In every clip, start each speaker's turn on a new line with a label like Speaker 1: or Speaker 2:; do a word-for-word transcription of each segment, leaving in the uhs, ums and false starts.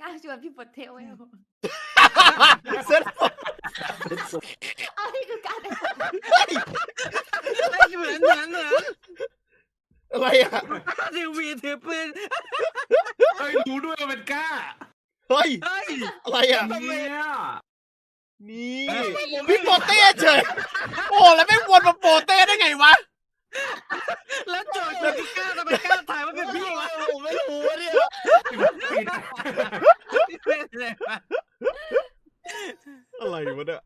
Speaker 1: าชวนพี่ปดเทลไว้
Speaker 2: เซ็ต
Speaker 1: เอาที่คือการ
Speaker 3: ไม่เหมือนเหมือนเหมือน
Speaker 2: อะไรอ่ะ
Speaker 3: ทีวีถือปืน
Speaker 4: เฮ้ยรู้ด้วยว่าเป็นกล้า
Speaker 2: เฮ้ย
Speaker 3: เฮ้ย
Speaker 2: อะไรอ่ะ
Speaker 4: เนี่ย
Speaker 2: นี่พี่โปเต้เฉยโอ้แล้วไม่วนมาโปเต้ได้ไงวะ
Speaker 3: แล้วโจทย์จะกล้าทำไมกล้าถ่ายว่าเป็นพี่วะ
Speaker 2: ผมไม่รู้เนี่ยอะไรวะเนี่ย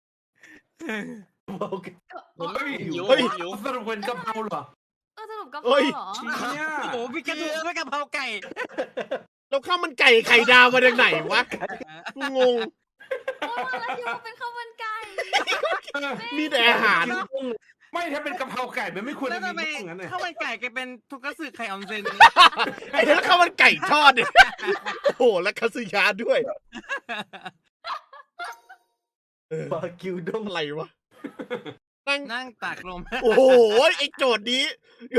Speaker 4: ผมไม่มีหิวหิวสรุปเป็นกะเพราเหรอ
Speaker 1: เออสรุปกะเพราเหรอ
Speaker 3: โอ้โหพี่กระดูกไม่กะเพราไก่
Speaker 2: แล้วข้าวมันไก่ไข่ดาวมาจากไหนวะกูงง
Speaker 1: แล้วคิดว่าเป็นข้าวมันไก่
Speaker 2: มีแต่อาหาร
Speaker 4: ไม่ถ้าเป็นกะเพราไก่มันไม่ควรจะมี
Speaker 3: อย่างนั้นเลยข้าวมันไก่แกเป็นทุกสึไข่ออนเซน
Speaker 2: ไอ้นั่นข้าวมันไก่ทอดเนี่ยโอ้โหแล้วคาสึยาด้วยบาคิวด้งอะไรวะ
Speaker 3: นั่งนั่งตากลม
Speaker 2: โอ้โหไอ้โจทย์นี้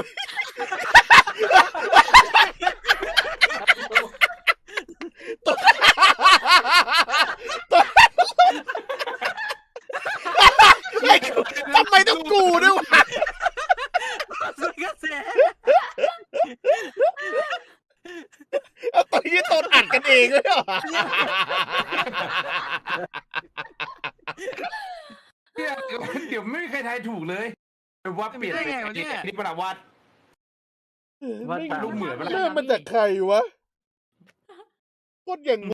Speaker 2: ทำไมต้องกูด้วยวะเอาตอนนี้ตอนอัดกันเองเลยเหรอ
Speaker 4: เดี๋ยวเดี๋ยวไม่มีใครทายถูกเลยวัดเปลี่ยนนี่ประวัติวัดลูกเหมือน
Speaker 2: เริ่มมาจากใครวะโคตรอย่าง